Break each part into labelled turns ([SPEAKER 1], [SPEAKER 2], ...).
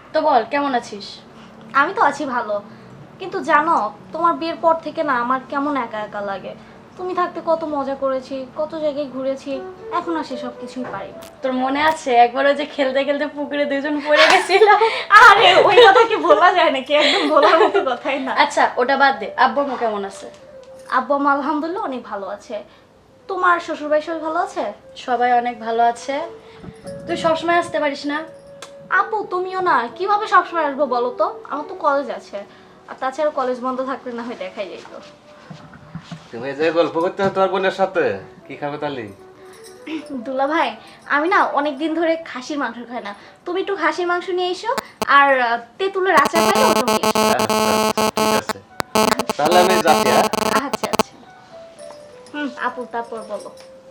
[SPEAKER 1] তো বল কেমন আছিস?
[SPEAKER 2] আমি তো আছি ভালো, কিন্তু জানো তোমার বিয়ের পর থেকে না আমার কেমন একা একা লাগে। তুমি থাকতে কত মজা করেছি, কত জায়গায় ঘুরেছি, এখন আর সেসব কিছুই পারি না।
[SPEAKER 1] তোর মনে আছে একবার ওই যে খেলতে খেলতে পুকুরে দুজন পড়ে গেছিলাম?
[SPEAKER 2] আরে ওই কথা কি বলা যায় নাকি, একদম বলার মতো কথাই না।
[SPEAKER 1] আচ্ছা ওটা বাদ দে, আব্বু আম্মু কেমন আছে?
[SPEAKER 2] আব্বু আম্মা আলহামদুলিল্লাহ অনেক ভালো আছে। তোমার শ্বশুরবাড়ি সবাই ভালো আছে?
[SPEAKER 1] সবাই অনেক ভালো আছে। তুই সবসময় আসতে পারিস না?
[SPEAKER 2] আপু তুমিও না, কিভাবে সবসময় আসবো বলো তো, আমার তো কলেজ আছে, আর তাছাড়া কলেজ বন্ধ থাকলে না হয় দেখাই যেত।
[SPEAKER 3] তুমি যে গল্প করতে হবে তোমার বোনের সাথে, কি খাবে তাহলে?
[SPEAKER 2] দুলা ভাই, আমি না অনেক দিন ধরে খাসির মাংস খাই না, তুমি একটু খাসির মাংস নিয়ে এসো, আর তেঁতুলের আচার খাই ওটা নিয়ে এসো।
[SPEAKER 3] ঠিক আছে, তাহলে আমি যাচ্ছি।
[SPEAKER 2] আচ্ছা আচ্ছা। আপু তারপর বলো।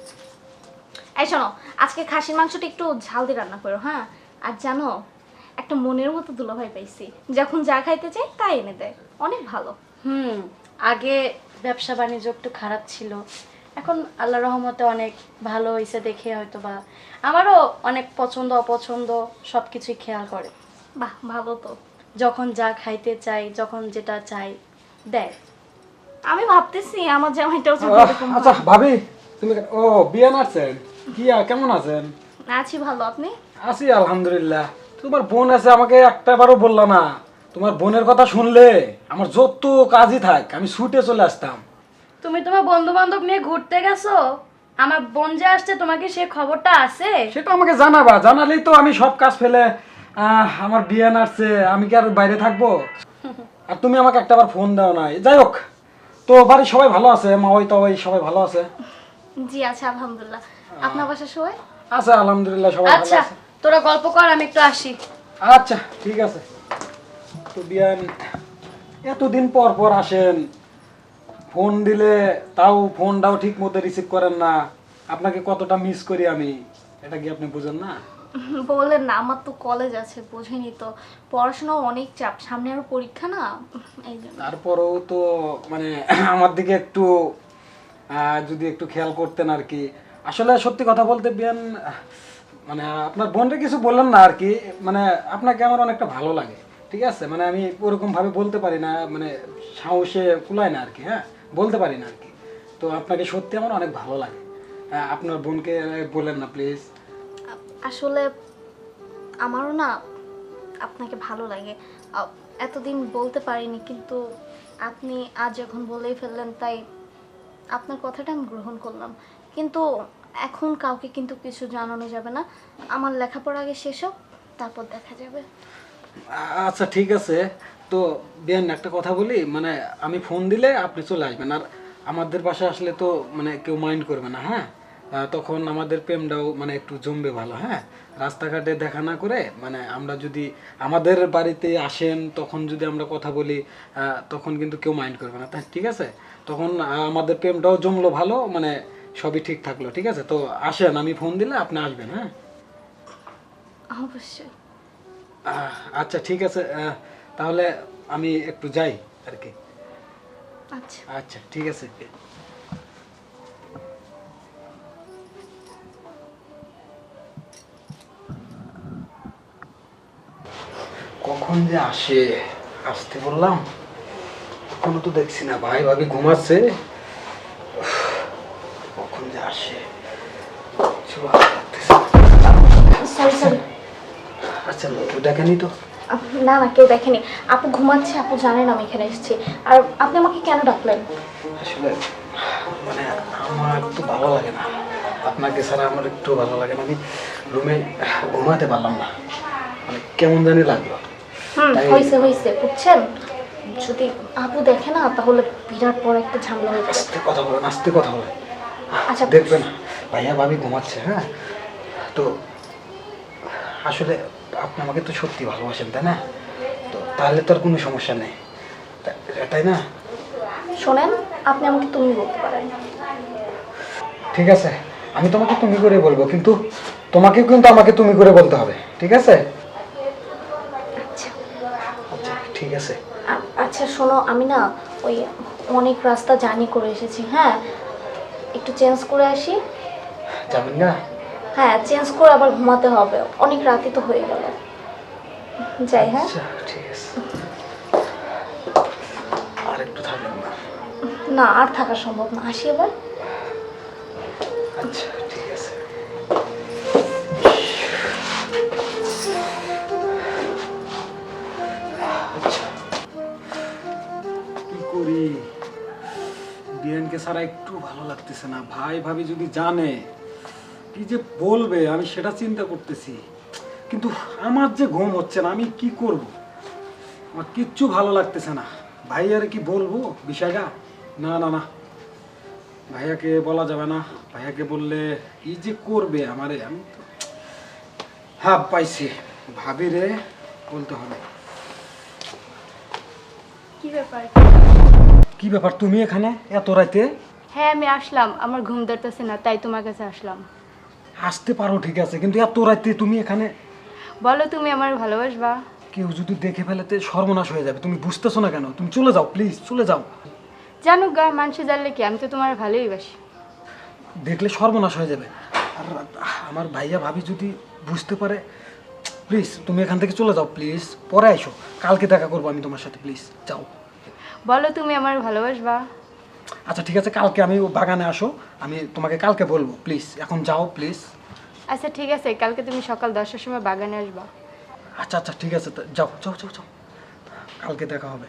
[SPEAKER 2] এই শোনো, আজকে খাসির মাংসটা একটু ঝাল দিয়ে রান্না করো, হ্যাঁ? আর জানো, একটা মনের মতো দুলাভাই পাইছি, যখন যা খাইতে চাই তাই এনে দেয়, অনেক ভালো।
[SPEAKER 1] আগে ব্যবসা বাণিজ্য একটু খারাপ ছিল, এখন আল্লাহ রহমতে অনেক ভালো হয়েছে দেখে হয়তো বা আমারও অনেক পছন্দ অপছন্দ সব কিছুই খেয়াল করে।
[SPEAKER 2] বাহ ভালো তো।
[SPEAKER 1] যখন যা খাইতে চাই, যখন যেটা চাই দেয়।
[SPEAKER 2] আমি ভাবতেছি আমার জামাইটাও যদি এরকম
[SPEAKER 4] আচ্ছা
[SPEAKER 2] হয়।
[SPEAKER 4] ভাবি, তুমি ও বিয়ে নাচছেন কি কেমন আছেন?
[SPEAKER 2] আছি ভালো, আপনি?
[SPEAKER 4] আছি আলহামদুলিল্লাহ। তোমার বোন আছে, আমাকে একটাবারও বললা না। তোমার বোনের কথা শুনলে আমার যত কাজই থাক আমি ছুটে চলে আসতাম।
[SPEAKER 1] তুমি তোমার বন্ধু বান্ধব নিয়ে ঘুরতে গেছো, আমার বোন যে আসছে তোমাকে সে খবরটা আছে?
[SPEAKER 4] সেটা আমাকে জানাবা, জানালেই তো আমি সব কাজ ফেলে আমার বিয়ে নাচছে, আমি কি আর বাইরে থাকবো? আর তুমি আমাকে একটাবার ফোন দাও নাই। যাই হোক, তো বাড়ির সবাই ভালো আছে, মা ওই তো ওই সবাই ভালো আছে?
[SPEAKER 2] জি আছে আলহামদুলিল্লাহ। আপনার বাসা সবাই?
[SPEAKER 4] আচ্ছা আলহামদুলিল্লাহ সবাই ভালো
[SPEAKER 1] আচ্ছা
[SPEAKER 4] আছে।
[SPEAKER 1] তোরা গল্প কর, আমি একটু আসি।
[SPEAKER 4] আচ্ছা ঠিক আছে। তো বিয়ান, এতদিন পর পর আসেন, ফোন দিলে তাও ফোনটাও ঠিক মতো রিসিভ করেন না। আপনাকে কতটা মিস করি আমি, এটা কি আপনি বুঝেন না?
[SPEAKER 2] বললেন না, আমার তো কলেজ আছে, বোঝেনি তো, পড়াশোনাও অনেক চাপ, সামনে আরো পরীক্ষা না, এই জন্য।
[SPEAKER 4] তারপরেও তো মানে আমার দিকে একটু যদি একটু খেয়াল করতেন আর কি। আসলে সত্যি কথা বলতে বিয়ান, মানে আপনার বোনটা কিছু বললেন না আর কি, মানে আপনাকে আমার অনেকটা ভালো লাগে। ঠিক আছে, মানে আমি ওরকম ভাবে বলতে পারি না, মানে সাহসে কুলায় না আর কি, হ্যাঁ বলতে পারি না আর কি। তো আপনাকে সত্যি আমার অনেক ভালো লাগে। আপনার বোনকে বলেন না প্লিজ।
[SPEAKER 2] আসলে আমারও না আপনাকে ভালো লাগে, এতদিন বলতে পারিনি, কিন্তু আপনি আজ যখন বলেই ফেললেন তাই আপনার কথাটা আমি গ্রহণ করলাম। কিন্তু এখন কাউকে কিন্তু কিছু জানানো যাবে না, আমার লেখাপড়া আগে শেষ হোক, তারপর দেখা যাবে।
[SPEAKER 4] আচ্ছা ঠিক আছে। তো বিয়ান একটা কথা বলি, মানে আমি ফোন দিলে আপনি চলে আসবেন, আর আমাদের বাসায় আসলে তো মানে কেউ মাইন্ড করবে না, হ্যাঁ? তখন আমাদের প্রেমটাও মানে একটু জমবে ভালো, হ্যাঁ? রাস্তাঘাটে দেখা না করে মানে আমরা যদি আমাদের বাড়িতে আসেন, তখন যদি আমরা কথা বলি, তখন কিন্তু কেউ মাইন্ড করবে না, তাই ঠিক আছে? তখন আমাদের প্রেমটাও জমলো ভালো, মানে সবই ঠিক থাকলো, ঠিক আছে? তো আসেন, আমি ফোন দিলে আপনি আসবেন, হ্যাঁ?
[SPEAKER 2] অবশ্যই।
[SPEAKER 4] আচ্ছা ঠিক আছে, তাহলে আমি একটু যাই আর কি।
[SPEAKER 2] আচ্ছা।
[SPEAKER 4] আচ্ছা ঠিক আছে। কখন যে আসে, আসতে বললাম এখনো তো দেখছি না। ভাই ভাবি ঘুমাচ্ছে, কখন যে আসে কিছু ভালো লাগতেছে না।
[SPEAKER 2] Sorry sorry.
[SPEAKER 4] আচ্ছা কেউ দেখেনি তো?
[SPEAKER 2] না না, কেউ দেখেনি, আপু ঘুমাচ্ছে, আপু জানেন আমি এখানে এসেছি। আর আপনি আমাকে কেন ডাকলেন?
[SPEAKER 4] আসলে মানে আমার তো ভালো লাগে না, আপনাকে ছাড়া আমার একটু ভালো লাগে না। আমি রুমে ঘুমাতে পারলাম না, মানে কেমন জানি লাগলো।
[SPEAKER 2] হয়েছে হয়েছে, বুঝছেন, যদি আপু দেখে না তাহলে বিরাট বড় একটা ঝামেলা হয়ে যাবে।
[SPEAKER 4] আস্তে কথা বলেন, আস্তে কথা বলেন।
[SPEAKER 2] আচ্ছা
[SPEAKER 4] দেখবেন ভাইয়া ভাবি ঘুমাচ্ছে, হ্যাঁ? তো আসলে আপনি আমাকে তো সত্যি ভালোবাসেন তাই না? তো তাহলে তো আর কোনো সমস্যা নেই, তাই না?
[SPEAKER 2] শোনেন, আপনি আমাকে তুমি বলতে পারেন।
[SPEAKER 4] ঠিক আছে, আমি তোমাকে তুমি করে বলবো, কিন্তু তোমাকেও কিন্তু আমাকে তুমি করে বলতে হবে, ঠিক আছে?
[SPEAKER 2] আচ্ছা
[SPEAKER 4] আচ্ছা ঠিক আছে।
[SPEAKER 2] আচ্ছা শোনো, আমি না ওই অনেক রাস্তা জার্নি করে এসেছি, হ্যাঁ, একটু চেঞ্জ করে আসি।
[SPEAKER 4] যাবেন না?
[SPEAKER 2] হ্যাঁ চেঞ্জ করে আবার ঘুমাতে হবে, অনেক রাতে তো হয়ে গেল। যাই, হ্যাঁ?
[SPEAKER 4] আচ্ছা ঠিক আছে, আর একটু থাকেন না?
[SPEAKER 2] না, আর থাকা সম্ভব না, আসি এবার।
[SPEAKER 4] আচ্ছা ঠিক আছে। আচ্ছা, কি করি, বিয়ানকে ছাড়া একটু ভালো লাগতেছে না। ভাই ভাবি যদি জানে কি যে বলবে, আমি সেটা চিন্তা করতেছি। কিন্তু আমার যে ঘুম হচ্ছে না, আমি কি করব? আমার কিচ্ছু ভালো লাগতেছে না। ভাইয়ারে কি বলবো বিষয়টা? না না না, ভাইয়াকে বলা যাবে না। ভাইয়াকে বললে কি যে করবে আমারে, আমি তো হ্যাঁ পাইছি, ভাবিরে বলতে হবে।
[SPEAKER 1] কি ব্যাপার?
[SPEAKER 4] কি ব্যাপার, তুমি এখানে এত রাতে?
[SPEAKER 1] হ্যাঁ আমি আসলাম, আমার ঘুম ধরতেছে না তাই তোমার কাছে আসলাম।
[SPEAKER 4] আসতে পারো ঠিক আছে, কিন্তু এত রাতে তুমি এখানে?
[SPEAKER 1] বলো তুমি আমার ভালোবাসবা?
[SPEAKER 4] কেউ যদি দেখে ফেলেতে সর্বনাশ হয়ে যাবে। তুমি বুঝতেছো না কেন? তুমি চলে যাও প্লিজ, চলে যাও।
[SPEAKER 1] জানো গা, মানুষে জানলে কি, আমি তো তোমার ভালোই বাসি।
[SPEAKER 4] দেখলে সর্বনাশ হয়ে যাবে। আর আমার ভাইয়া ভাবি যদি বুঝতে পারে, প্লিজ তুমি এখান থেকে চলে যাও প্লিজ। পরে আইসো, কালকে দেখা করবো আমি তোমার সাথে, প্লিজ যাও।
[SPEAKER 1] বলো তুমি আমার ভালোবাসবা?
[SPEAKER 4] আচ্ছা ঠিক আছে, কালকে আমি বাগানে আসো, আমি তোমাকে কালকে বলবো, প্লিজ এখন যাও প্লিজ।
[SPEAKER 1] আচ্ছা ঠিক আছে, কালকে তুমি সকাল 10টার সময় বাগানে আসবা।
[SPEAKER 4] আচ্ছা আচ্ছা ঠিক আছে, যাও যাও যাও যাও, কালকে দেখা হবে।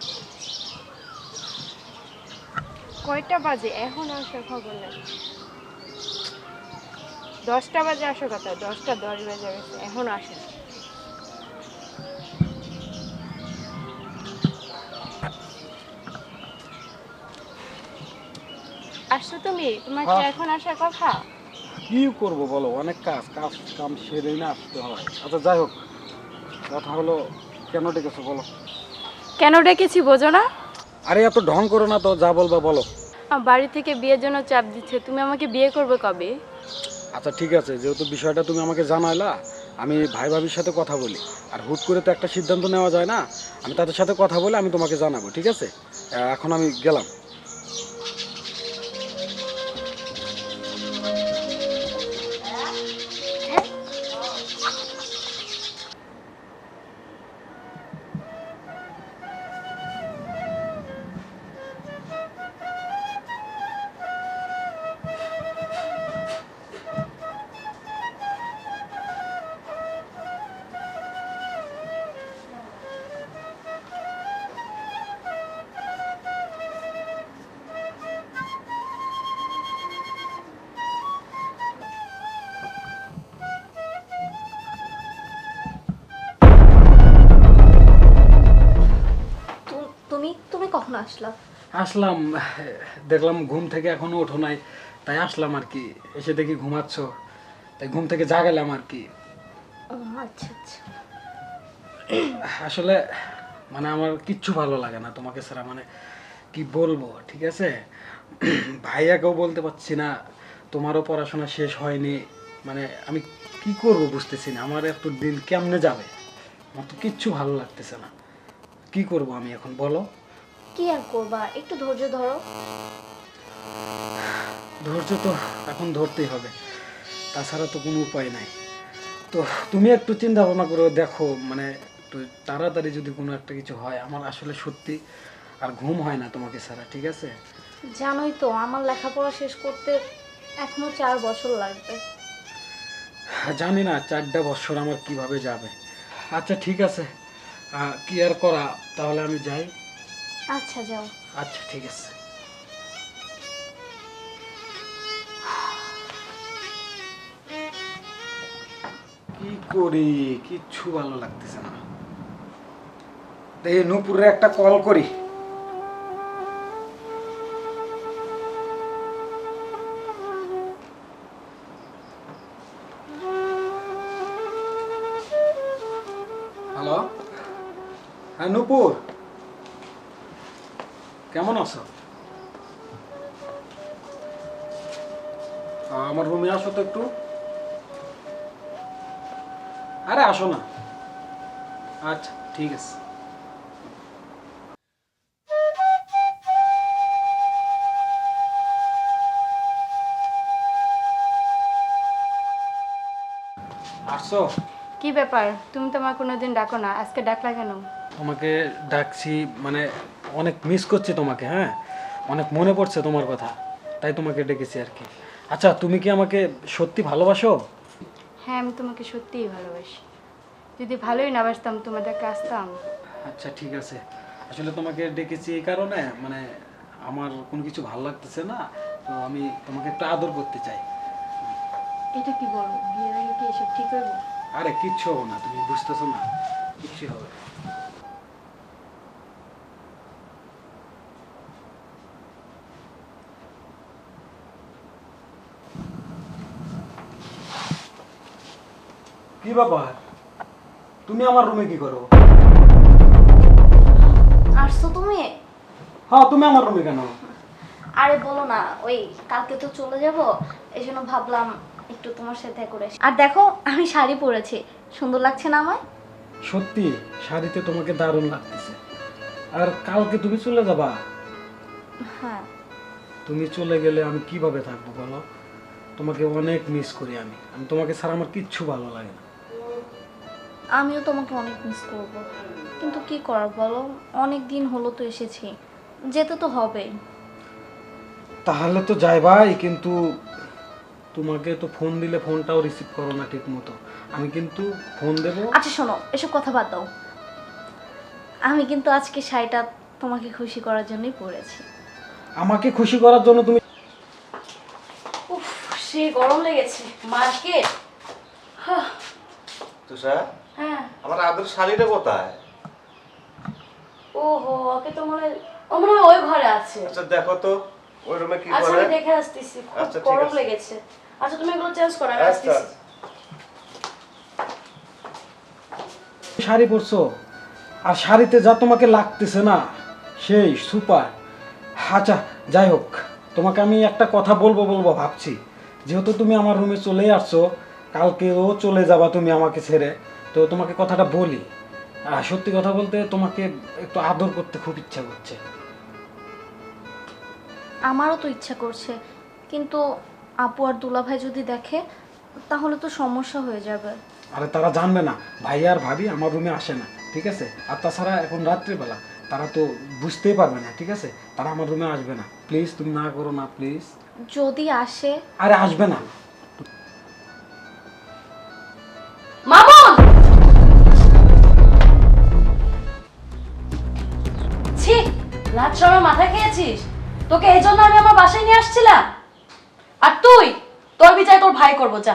[SPEAKER 1] কয়টা বাজে এখন আসার খবর নেই? 10টা বাজে আসার কথা, 10টা 10 বাজে গেছে এখন আসে না। আসছো তুমি? তোমার কি
[SPEAKER 4] হ্যাঁ।
[SPEAKER 1] এখন আসার কথা?
[SPEAKER 4] কি করব বলো, অনেক কাজ কাজ কাম সেরে না আসতে হয়। আচ্ছা যাই হোক, কথা হলো কেন ডেকেছো বলো?
[SPEAKER 1] কেন ডেকেছি বোঝো না?
[SPEAKER 4] আরে এত ঢং করো না তো, যা বলবা বলো।
[SPEAKER 1] বাড়ি থেকে বিয়ের জন্য চাপ দিচ্ছে, তুমি আমাকে বিয়ে করবে কবে?
[SPEAKER 4] আচ্ছা ঠিক আছে, যেহেতু বিষয়টা তুমি আমাকে জানাইলা, আমি ভাই ভাবির সাথে কথা বলি। আর হুট করে তো একটা সিদ্ধান্ত নেওয়া যায় না। আমি তাদের সাথে কথা বলে আমি তোমাকে জানাবো, ঠিক আছে? এখন আমি গেলাম।
[SPEAKER 2] তুমি তুমি কখন আসলা?
[SPEAKER 4] আসলাম, দেখলাম ঘুম থেকে এখনো ওঠো নাই, তাই আসলাম আর কি। এসে দেখি ঘুমাচ্ছ, তাই ঘুম থেকে জাগালাম আর কি।
[SPEAKER 2] ও আচ্ছা আচ্ছা।
[SPEAKER 4] আসলে মানে আমার কিচ্ছু ভালো লাগে না তোমাকে ছাড়া, মানে কি বলবো, ঠিক আছে? ভাইয়াকেও বলতে পারছি না, তোমারও পড়াশোনা শেষ হয়নি। মানে আমি কি করব বুঝতেছি না, আমার এত দিন কেমনে যাবে, আমার তো কিচ্ছু ভালো লাগতেছে না। কি করব আমি এখন বলো?
[SPEAKER 2] কি আর করবা, একটু ধৈর্য ধরো।
[SPEAKER 4] ধৈর্য তো এখন ধরতেই হবে, তাছাড়া তো কোনো উপায় নাই। তো তুমি একটু চিন্তা ভাবনা করে দেখো, মানে একটু তাড়াতাড়ি যদি কোনো একটা কিছু হয়। আমার আসলে সত্যি আর ঘুম হয় না তোমাকে ছাড়া, ঠিক আছে?
[SPEAKER 2] জানোই তো আমার লেখাপড়া শেষ করতে এখনো 4 বছর লাগবে।
[SPEAKER 4] জানি না 4টা বছর আমার কিভাবে যাবে। আচ্ছা ঠিক আছে, কি আর করা, তাহলে আমি যাই।
[SPEAKER 2] আচ্ছা যাও।
[SPEAKER 4] আচ্ছা ঠিক আছে। কি করি, কিচ্ছু ভালো লাগতেছে না। এই নূপুরে একটা কল করি। হ্যালো, হ্যাঁ নূপুর, কেমন আছো? আমার রুমে আসো তো একটু। আরে আসো না। আচ্ছা ঠিক আছে। আসছো?
[SPEAKER 1] কি ব্যাপার, তুমি তো আমার কোনোদিন ডাকো না, আজকে ডাকলা কেন?
[SPEAKER 4] তোমাকে ডাকছি মানে অনেক মিস করছি তোমাকে, হ্যাঁ, অনেক মনে পড়ছে তোমার কথা, তাই তোমাকে ডেকেছি আর কি। আচ্ছা, তুমি কি আমাকে সত্যি ভালোবাসো?
[SPEAKER 1] হ্যাঁ, আমি তোমাকে সত্যিই ভালোবাসি। যদি ভালোই না বাসতাম তোমাদেরকে আসতাম?
[SPEAKER 4] আচ্ছা ঠিক আছে, আসলে তোমাকে ডেকেছি এই কারণে মানে আমার কোনো কিছু ভালো লাগতেছে না, তো আমি তোমাকে একটু আদর করতে চাই।
[SPEAKER 1] এটা কি বলো, বিয়ের আগে কি এসব ঠিক হইব?
[SPEAKER 4] আরে কিচ্ছু হবে না, তুমি বুঝতেছো না, কিচ্ছু হবে না। কি ব্যাপার, তুমি আমার রুমে কি করো?
[SPEAKER 2] আসছো তুমি?
[SPEAKER 4] হ্যাঁ, তুমি আমার রুমে কেন?
[SPEAKER 2] আরে বলো না, ওই কালকে তো চলে যাব, এই জন্য ভাবলাম একটু তোমার সাথে করে আসি। আর দেখো আমি শাড়ি পরেছি, সুন্দর লাগছে না আমায়?
[SPEAKER 4] সত্যি শাড়িতে তোমাকে দারুণ লাগতেছে। আর কালকে তুমি চলে যাবা?
[SPEAKER 2] হ্যাঁ।
[SPEAKER 4] তুমি চলে গেলে আমি কিভাবে থাকবো বলো? তোমাকে অনেক মিস করি আমি, আমি তোমাকে ছাড়া আমার কিচ্ছু ভালো লাগে না।
[SPEAKER 2] আমিও তোমাকে অনেক মিস করব, কিন্তু কি করার বলো, অনেক দিন হলো তো এসেছি, যেতে তো হবেই।
[SPEAKER 4] তাহলে তো যাই ভাই, কিন্তু তোমাকে তো ফোন দিলে ফোনটাও রিসিভ করো না ঠিক মতো। আমি কিন্তু ফোন দেব।
[SPEAKER 2] আচ্ছা শোনো, এসব কথা বাদ দাও। আমি কিন্তু আজকে শাড়িটা তোমাকে খুশি করার জন্যই পরেছি।
[SPEAKER 4] আমাকে খুশি করার জন্য তুমি?
[SPEAKER 1] উফ, সে গরম লেগেছে মার্কেট।
[SPEAKER 3] তুষার,
[SPEAKER 1] হ্যাঁ।
[SPEAKER 3] আমার আদর শাড়িটা কোথায়?
[SPEAKER 1] ওহো, ওকে তো ও মনে হয় ওই ঘরে আছে।
[SPEAKER 3] আচ্ছা দেখো তো ওই রুমে কি
[SPEAKER 1] আচ্ছা,
[SPEAKER 3] করে।
[SPEAKER 1] আমি দেখে আসতেছি, খুব
[SPEAKER 3] আচ্ছা, ঠিক
[SPEAKER 1] গরম
[SPEAKER 3] আছে।
[SPEAKER 1] লেগেছে। আচ্ছা, তুমি এগুলো চেঞ্জ করো, আমি
[SPEAKER 3] আচ্ছা
[SPEAKER 1] আসতেছি।
[SPEAKER 4] শাড়ি পরছো, আর শাড়িতে যা তোমাকে লাগতেছে না, সেই সুপার। আচ্ছা যাই হোক, তোমাকে আমি একটা কথা বলবো বলবো ভাবছি। যেহেতু তুমি আমার রুমে চলেই আসছো, কালকেও চলে যাবা তুমি আমাকে ছেড়ে, তো তোমাকে কথাটা বলি। সত্যি কথা বলতে তোমাকে একটু আদর করতে খুব ইচ্ছা করছে।
[SPEAKER 2] আমারও তো ইচ্ছা করছে, কিন্তু আপু আর দুলাভাই যদি দেখে তাহলে তো সমস্যা হয়ে যাবে।
[SPEAKER 4] আরে তারা জানবে না ভাই আর ভাবি আমার রুমে আসে না, ঠিক আছে? আর তাছাড়া এখন রাত্রিবেলা, তারা তো বুঝতেই পারবে না, ঠিক আছে? তারা আমার রুমে আসবে না, প্লিজ তুমি না করো না প্লিজ।
[SPEAKER 2] যদি আসে?
[SPEAKER 4] আরে আসবে না।
[SPEAKER 1] মামুন! ছি, লাজ শরম মাথা খেয়েছিস? তোকে এই জন্য আমি আমার বাসায় নিয়ে আসছিলাম, আর তুই তোর বিচার তোর ভাই করবো, যা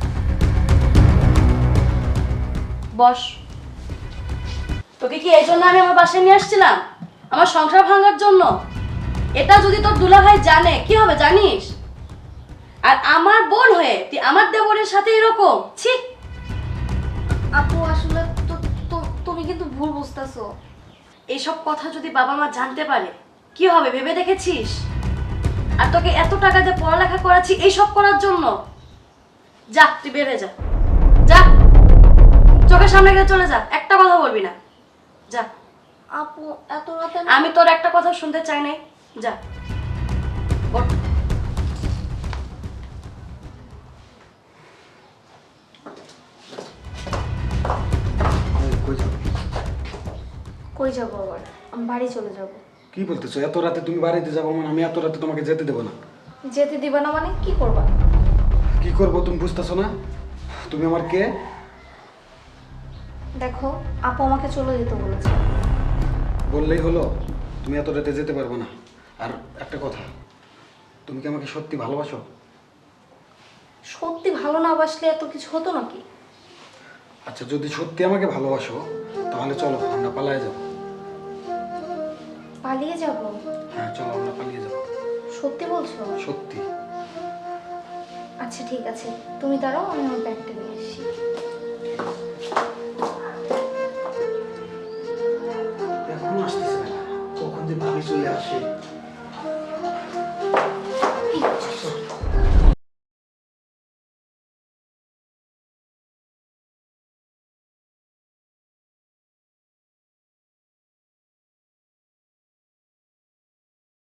[SPEAKER 1] বস। তোকে কি এই জন্য আমি আমার বাসায় নিয়ে আসছিলাম? আমার সংসার ভাঙার জন্য? এটা যদি তোর দুলাভাই জানে কি হবে জানিস? আর আমার বোন হয়ে তুই আমার দেবরের সাথে এরকম, ছি।
[SPEAKER 2] আপু আসলে তুমি কিন্তু ভুল বুঝতেছো।
[SPEAKER 1] এইসব কথা যদি বাবা মা জানতে পারে কি হবে ভেবে দেখেছিস? আর তোকে এত টাকা দিয়ে পড়ালেখা করাচ্ছি এইসব করার জন্য? যা, তুই বের হয়ে যা, যা, চোখের সামনে গিয়ে চলে যা, একটা কথা বলবি না, যা।
[SPEAKER 2] আপু এত রাতে
[SPEAKER 1] আমি তোর একটা কথা শুনতে চাই নাই, যা, ওঠ।
[SPEAKER 2] কই যাবো আবার? আমি বাড়ি চলে যাব।
[SPEAKER 4] কি বলতেছো, এত রাতে তুমি বাড়িতে যাবো? মানে আমি এত রাতে তোমাকে যেতে দেবো না।
[SPEAKER 2] যেতে দিবা না মানে কি করবা?
[SPEAKER 4] কি করবো তুমি বুঝতেছো না? তুমি আমার কে?
[SPEAKER 2] দেখো, আপু আমাকে চলে যেতে বলেছে।
[SPEAKER 4] বললেই হলো? তুমি এত রাতে যেতে পারবে না। আর একটা কথা, তুমি কি আমাকে সত্যি ভালোবাসো?
[SPEAKER 2] সত্যি ভালো না বাসলে এত কিছু হতো নাকি?
[SPEAKER 4] আচ্ছা, যদি সত্যি আমাকে ভালোবাসো তাহলে চলো আমরা পালিয়ে যাবো।
[SPEAKER 2] পালিয়ে যাব?
[SPEAKER 4] হ্যাঁ চলো, আমরা পালিয়ে যাবো।
[SPEAKER 2] সত্যি বলছো?
[SPEAKER 4] সত্যি।
[SPEAKER 2] আচ্ছা ঠিক আছে, তুমি দাঁড়াও, আমি আমার ব্যাগটা নিয়ে আসি।
[SPEAKER 4] এখনো আসতেছে না, কখন যে ভাবি চলে আসে।